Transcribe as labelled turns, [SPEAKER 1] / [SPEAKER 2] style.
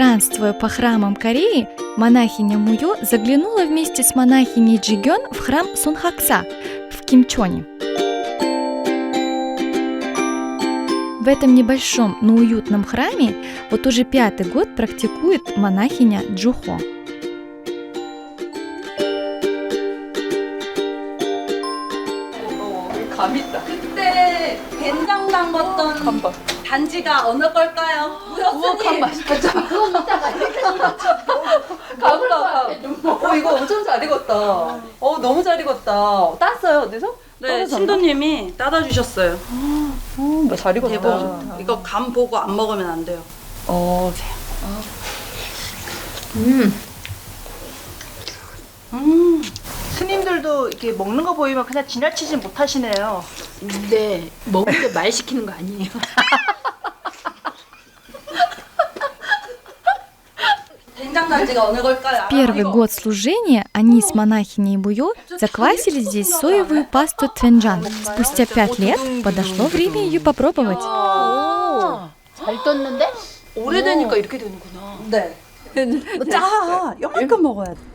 [SPEAKER 1] Странствуя по храмам Кореи, монахиня Муё заглянула вместе с монахиней Джигён в храм Сунхакса в Кимчоне. В этом небольшом, но уютном храме вот уже 5-й год практикует монахиня Джухо.
[SPEAKER 2] 그때 된장 담궜던 반지가 어느 걸까요? 무였으니
[SPEAKER 3] 그거 먹다가
[SPEAKER 4] 감사. 이거 엄청 잘 익었다. 너무 잘 익었다. 땄어요 어디서?
[SPEAKER 2] 네, 신도님이 따다 주셨어요.
[SPEAKER 4] 잘 익었다.
[SPEAKER 2] 대박. 이거 간 보고 안 먹으면 안 돼요.
[SPEAKER 5] 스님들도 이렇게 먹는 거 보이면 그냥 지나치진 못하시네요.
[SPEAKER 3] 네, 먹을 때 말 시키는 거 아니에요.
[SPEAKER 2] 된장 반지가 어느 걸까요?
[SPEAKER 1] Первый год служения они с монахиней Муё заквасили здесь соевую пасту твенджан. Спустя 5 лет подошло время ее попробовать.
[SPEAKER 3] 잘 떴는데?
[SPEAKER 4] 오래되니까 이렇게 되는구나.
[SPEAKER 2] 네. 짜. 이만큼 먹어야 돼.